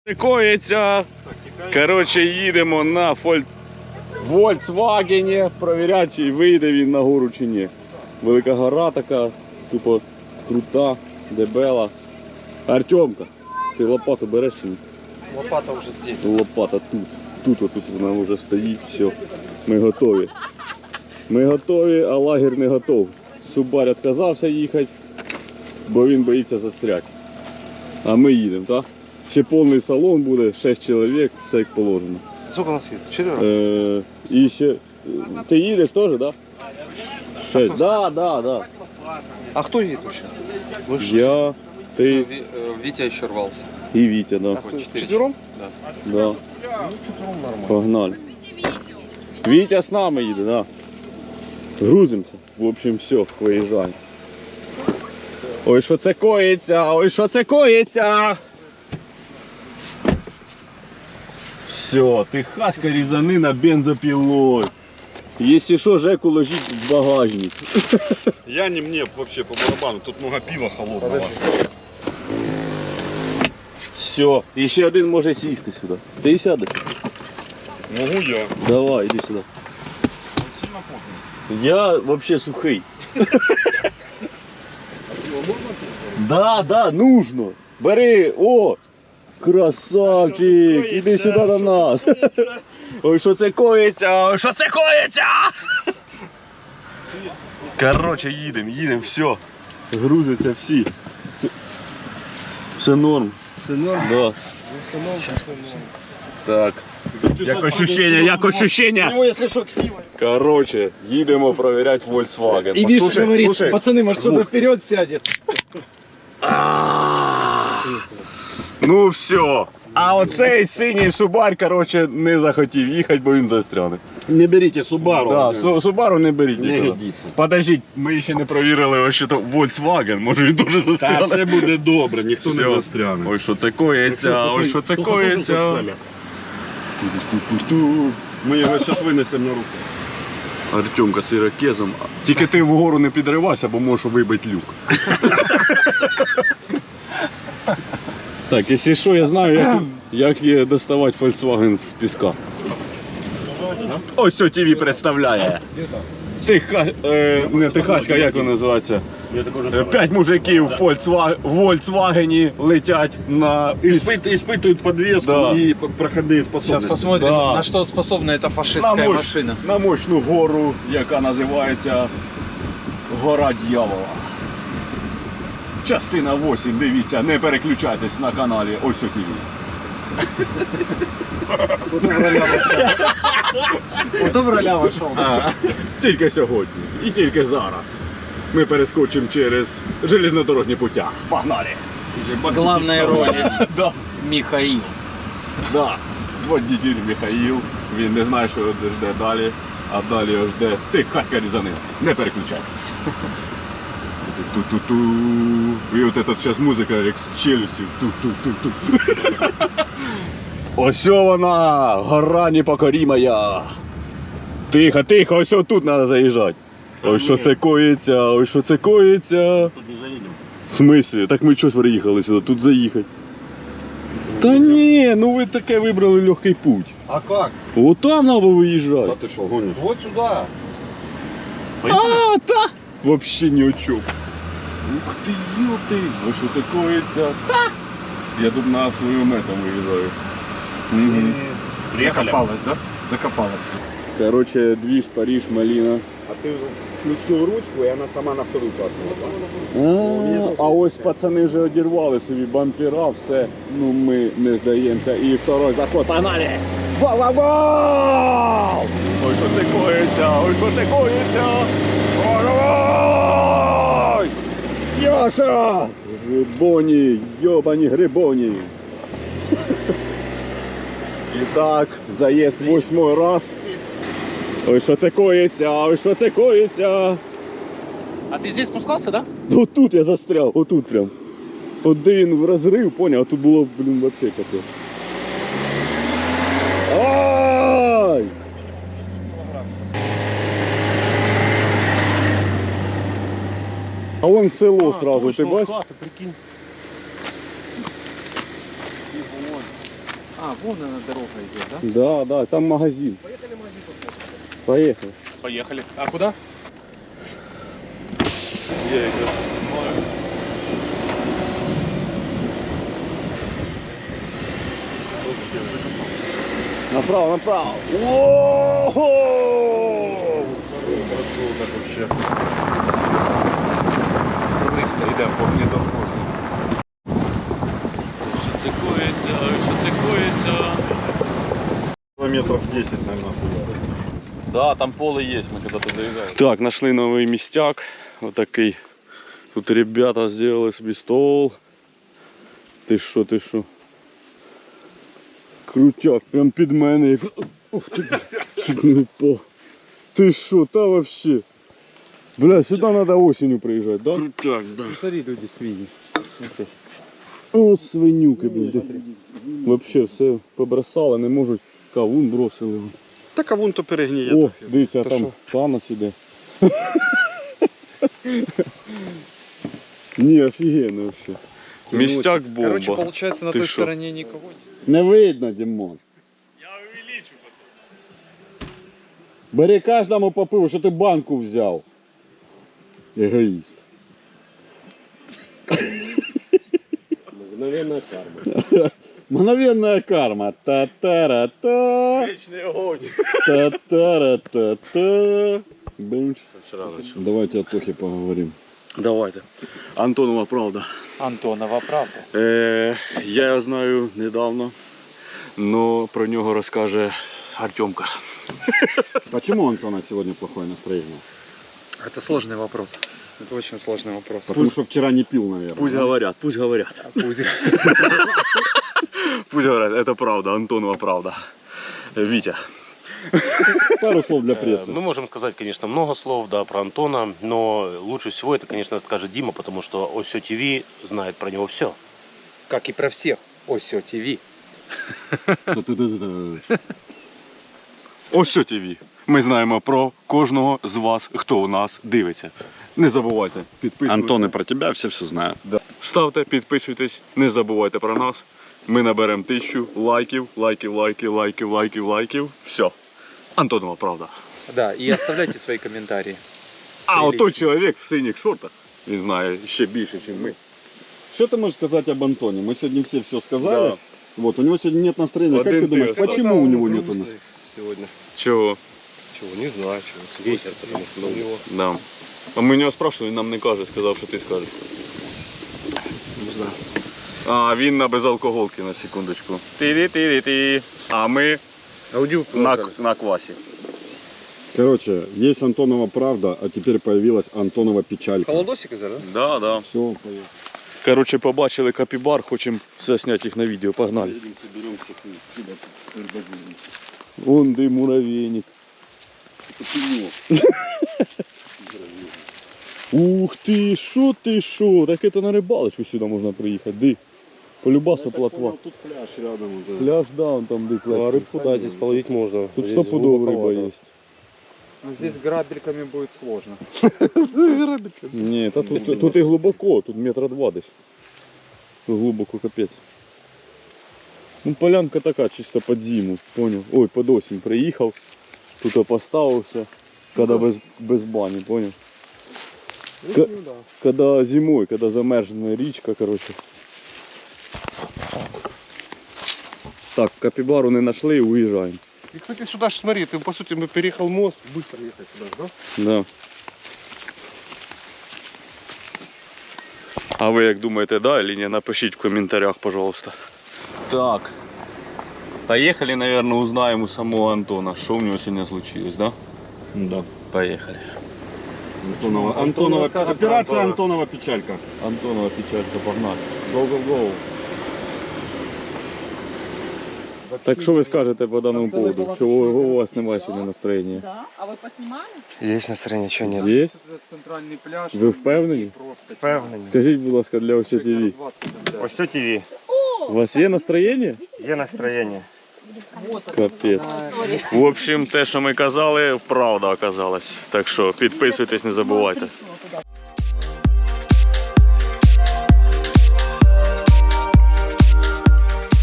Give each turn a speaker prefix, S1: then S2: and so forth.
S1: Коїться. Коротше, їдемо на Volkswagen, провіряти, чи вийде він на гору чи ні. Велика гора така, тупо крута, дебела. Артемка, ти лопату береш чи ні?
S2: Лопата вже здесь.
S1: Лопата тут. Тут вона вже стоїть, все. Ми готові. Ми готові, а лагерь не готов. Субарь відказався їхати, бо він боїться застряти. А ми їдемо, так? Ще повний салон буде, 6 чоловік, все як положено.
S2: Сколько нас едет? 4?
S1: І ще... Ти їдеш теж, так? 6. Да.
S2: А кто едет вообще?
S1: Я, ти
S2: Витя еще рвался.
S1: і Вітя, да.
S2: Четвером?
S1: Да.
S2: Ну, четвером нормально.
S1: Погнали. Вітя з нами їде, да. Грузимося. В общем, все, виїжджаємо. Ой, що це коїться, ой, що це коїться. Все, техаська різанина бензопилой. Если что, Жеку ложить в багажник.
S3: Я не мне вообще по барабану, тут много пива холодного.
S1: Все, і ще один може сісти сюди. Ти сядеш?
S3: Могу я.
S1: Давай, іди сюди.
S3: Сильно потный.
S1: Я вообще сухий. Да, нужно. Бери, о, красавчик, іди сюди до нас. Ой, що це коїться, ой, що це коїться. Короче, їдемо, все. Грузяться всі. Все норм.
S2: Все норм?
S1: Да.
S2: Все норм.
S1: Так. Як ощущення?
S2: У него, если что, ксива.
S1: Короче, їдемо перевіряти Volkswagen.
S2: И Миша говорит,
S3: слушай,
S2: пацаны, может кто-то вперед сядет.
S1: Ну все. А оцей синій Субарь, короче, не захотів їхати, бо він застряне.
S3: Не берите Subaru.
S1: Да, Субару не беріть
S3: Не
S1: ніколи.
S3: годиться.
S1: Подождіть, ми ще не провірили вообще-то Volkswagen, може він дуже
S3: Та
S1: застряне.
S3: все буде добре, ніхто не
S1: Всё.
S3: застряне.
S1: Ой, що це коїться, ой, що це коїться. Ту-ту-ту-ту.
S3: Ми його зараз винесемо на руку.
S1: Артемка з ірокезом. Тільки ти вгору не підривайся, бо можеш вибити люк. Так, якщо що, я знаю, як є доставати Volkswagen з піска. Ось що ТВ представляє. Не техаська, як вона називається? 5 мужиків в Volkswagen летять на...
S3: Испытывают подвеску
S1: Да.
S3: и проходные способности.
S2: Сейчас посмотрим,
S1: Да.
S2: на что способна эта фашистская машина.
S1: На мощну гору, яка називається Гора Дьявола. Частина 8, дивіться, не переключайтесь на каналі Ось ТВ.
S2: Кто в роля вошел?
S1: Тільки сьогодні і тільки зараз ми перескочимо через железнодорожні путя. Погнали!
S2: Главная роль
S1: Да,
S2: Михаил.
S1: да. Водитель Михаїл, він не знає, що його жде далі, а далі його жде техаська різанина. Не переключайтесь. Ту-ту-ту-ту. І от тут зараз музика як з челюстів. Ту-ту-ту-ту. Ось вона, гора непокорімая. Тихо, тихо, ось тут треба заїжджати. Ой, що це коїться, ой, що це коїться.
S3: Тут не заедем.
S1: В смислі? Так ми чого приїхали сюди, тут заїхати? Та ні, ну ви таке вибрали легкий путь.
S2: А как?
S1: От там треба виїжджати.
S3: Да ты что, гонишь?
S2: Вот сюда.
S1: А, та! Вообще ні о чому. Ух ти, йоти! Ой, що це коїться? Та! Я тут на свою мету виїжджаю. Мгм.
S2: Закопалась, да? Закопалась.
S1: Короче, движ, Париж, малина.
S3: А ты включил ручку, и она сама на вторую класснула.
S1: А ось пацани вже одірвали собі бампера, все. Ну ми не здаємося. І второй заход. Погнали! Вау-вау-вау! Ой, що це коїться! Ой, що це коїться! Ой! Яша! Грибоні! Йобані грибоні! І так, заїзд 8-й раз. Ой, що це коїться, ой, що це коїться.
S2: А ты здесь спускался, да?
S1: Отут я застряв, отут прям. От де він в розрив, поняв, а тут було, блін, вообще капець. Ай! А вон село сразу, ти бачиш?
S2: А, вон она дорога идет, да?
S1: Да, да, там магазин.
S4: Поехали в магазин посмотрим.
S1: Поехали.
S2: Поехали. А куда?
S1: Я якраз знаю. Направо, направо. Ого! Туристи йде по внедорожню. Що це коїться, що це коїться?
S3: Километров 10, наверное, хуя.
S1: Да, там поле есть, мы когда-то заезжали. Так, нашли новый местяк. Вот такой. Тут ребята сделали себе стол. Ти що, ти що? Крутяк, прям під мене. Як... Ух ти, чуть не упав. Ти що, та вообще? Бля, сюди треба осенью приїжджати, да? Крутяк, да.
S2: Ну, смотри, люди свиньи.
S1: О, свинюки, блядь. Вообще все побросали, не можуть. Кавун бросили.
S3: Так а вон то перегніє.
S1: О,
S3: трохи.
S1: дивіться, а
S3: Та
S1: там
S3: що?
S1: Танос іде. Ні, офігенно вообще. Містяк бомба.
S4: Короче, получается, на
S1: Ты
S4: той
S1: шо?
S4: стороне никого нет.
S3: Не видно, Дімон.
S1: Я увеличу потім.
S3: Бери кожному по пиву, що ти банку взяв. Егоїст.
S4: Мгновенная карма.
S3: Мгновенная карма. Та-та-ра-та.
S1: Вечний огонь.
S3: Та-та-ра-та-та. Бенч. Давайте о Тохе поговорим.
S1: Давайте. Антонова правда.
S4: Антонова, правда?
S1: Я його знаю недавно, но про нього розкаже Артемка.
S3: Почему у Антона сегодня плохое настроение?
S4: Это сложный вопрос. Это очень сложный вопрос.
S3: Потому что вчера не пил, наверное.
S1: Пусть
S3: да?
S1: говорят, пусть говорят.
S4: Пусть.
S1: Пусть говорят, это правда, Антонова правда. Витя.
S3: Пару слов для прессы.
S5: Мы можем сказать, конечно, много слов, да, про Антона, но лучше всего это, конечно, скажет Дима, потому что Осё ТВ знает про него все.
S4: Как и про всех. Осё ТВ.
S3: Та-та-та-та.
S1: Ось ТВ. Ми знаємо про кожного з вас, хто у нас дивиться. Не забувайте підписуватися.
S3: Антон и про тебя все знают.
S1: Ставте, підписуйтесь, не забувайте про нас. Ми наберемо 1000 лайків, лайків. Все. Антонова правда.
S4: Да, и оставляйте свои комментарии.
S1: А отой чоловік в синіх шортах, він знає ще більше, ніж ми.
S3: Что ты можешь сказать об Антоне? Мы сегодня все сказали.
S1: Да.
S3: Вот, у него сегодня нет настроения.
S1: Один
S3: Как ты
S1: ты
S3: думаешь,
S1: остался.
S3: почему у него нет настроения?
S6: Сегодня.
S1: Чого?
S6: Чего, не знаю, чего. Ветер, потому что у него.
S1: Да. А ми у нього спрашивали, він нам не каже, сказав, що ти скажеш.
S6: Не знаю.
S1: А він на безалкоголки, на секундочку. Ти-ти-ти-ти. А ми на квасі.
S3: Короче, есть Антонова правда, а теперь появилась Антонова печалька.
S6: Холодосик из-за, да?
S1: Да, да.
S3: Все, поехали.
S1: Короче, побачили капібар, хочемо все зняти їх на відео, погнали.
S3: Соберем всех сюда.
S1: Вон де муравейник. Ух ти, що? Так это на рибалочку сюди можна приїхати, ди. Полюбаса плотва.
S3: Тут пляж рядом.
S1: Пляж, да, он там ди пляж.
S6: А рыбку, да, здесь половить можно.
S1: Тут
S6: Здесь
S1: стопудово риба
S6: глубоковато.
S1: є.
S4: Но здесь грабельками будет сложно.
S1: Ні, та тут і глибоко, тут метра 2 десь. Глибоко капець. Ну полянка така, чисто під зиму, поняв? Ой, під осінь приїхав, тут поставився, коли без бані, поняв?
S4: Ну да.
S1: Когда зимой, когда замерзла річка, короче. Так, капібару не знайшли і уїжджаємо.
S6: И, кстати, сюда ж смотри, ты, по сути, мы переехал мост, быстро ехать сюда, да?
S1: Да. А ви як думаєте, да или ні? Напишіть в коментарях, пожалуйста. Так. Поехали, наверное, узнаем у самого Антона, что у него сегодня случилось, да?
S3: Да.
S1: Поехали.
S3: Антонова, операция Антонова печалька.
S1: Антонова печалька, погнали. Go. Так що ви скажете по даному поводу? Що у вас немає сьогодні настроєння?
S7: Да, а вы поснимали?
S6: Есть настроение, что нет?
S1: Є?
S4: Это центральный пляж.
S1: Ви впевнені?
S4: Просто.
S6: Певний.
S1: Скажіть, будь ласка, для ОС ТВ.
S6: Осё ТВ.
S1: У вас є настроєння?
S6: Є настроение.
S7: Вот он.
S1: Капець. В общем, те, що ми казали, правда оказалась. Так що підписуйтесь, не забувайте.